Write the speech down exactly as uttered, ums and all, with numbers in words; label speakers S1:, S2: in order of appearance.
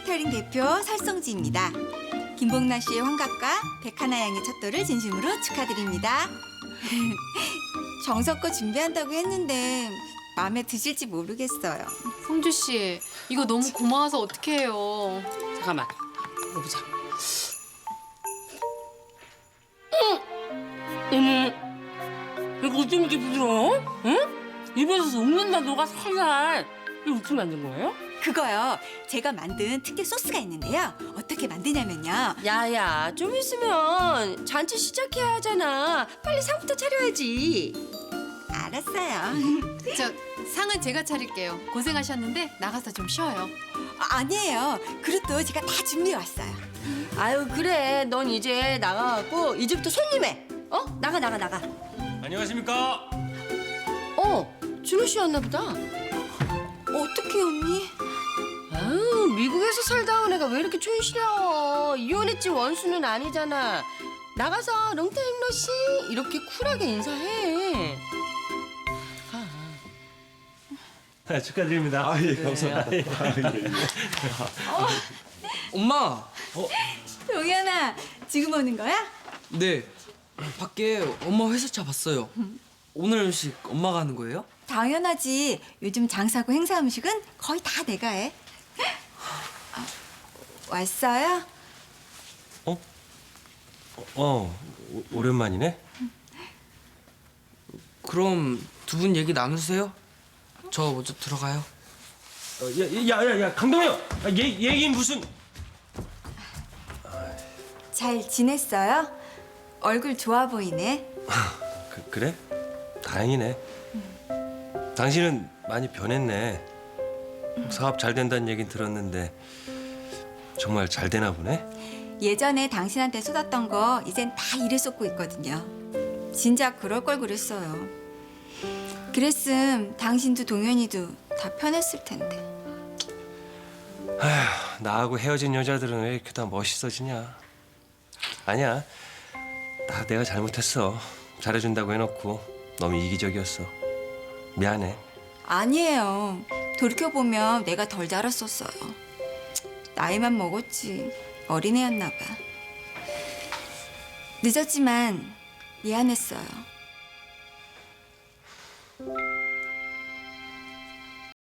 S1: 케이터링 대표 설성지입니다. 김봉란 씨의 환갑과 백하나 양의 첫돌을 진심으로 축하드립니다. 정성껏 준비한다고 했는데 마음에 드실지 모르겠어요.
S2: 성주 씨, 이거 너무 고마워서 어떡해요.
S3: 잠깐만, 먹어보자. 음, 이거 어쩜 이렇게 부드러워? 응? 입에서 녹는다 녹아 살살. 이거 어떻게 만든 거예요?
S1: 그거요. 제가 만든 특유 소스가 있는데요. 어떻게 만드냐면요.
S4: 야야, 좀 있으면 잔치 시작해야 하잖아. 빨리 상부터 차려야지.
S1: 알았어요.
S2: 저 상은 제가 차릴게요. 고생하셨는데 나가서 좀 쉬어요.
S1: 아, 아니에요. 그릇도 제가 다 준비해 왔어요.
S4: 아유 그래, 넌 이제 나가갖고 이제부터 손님해. 어? 나가 나가 나가.
S5: 안녕하십니까?
S4: 어, 준호 씨 왔나 보다.
S1: 어떻게 언니?
S4: 아유, 미국에서 살다 온 애가 왜 이렇게 촌스러워. 이혼했지 원수는 아니잖아. 나가서 롱타임 러시 이렇게 쿨하게 인사해.
S5: 아, 축하드립니다.
S6: 아, 예, 감사합니다.
S7: 엄마!
S1: 동현아, 지금 오는 거야?
S7: 네, 밖에 엄마 회사차 봤어요. 오늘 음식 엄마가 하는 거예요?
S1: 당연하지. 요즘 장사고 행사 음식은 거의 다 내가 해. 아, 왔어요?
S5: 어? 어, 오, 오랜만이네.
S7: 그럼 두 분 얘기 나누세요. 저 먼저 들어가요.
S5: 어, 야, 야, 야, 야, 강동현! 아, 얘, 얘기 무슨...
S1: 잘 지냈어요? 얼굴 좋아 보이네.
S5: 그, 그래? 다행이네. 당신은 많이 변했네. 사업 잘 된다는 얘긴 들었는데 정말 잘 되나 보네?
S1: 예전에 당신한테 쏟았던 거 이젠 다 일에 쏟고 있거든요. 진작 그럴 걸 그랬어요. 그랬음 당신도 동현이도 다 편했을 텐데.
S5: 아휴, 나하고 헤어진 여자들은 왜 이렇게 다 멋있어지냐. 아니야, 다 내가 잘못했어. 잘해준다고 해놓고 너무 이기적이었어. 미안해.
S1: 아니에요. 돌이켜보면 내가 덜 자랐었어요. 나이만 먹었지 어린애였나 봐. 늦었지만 미안했어요.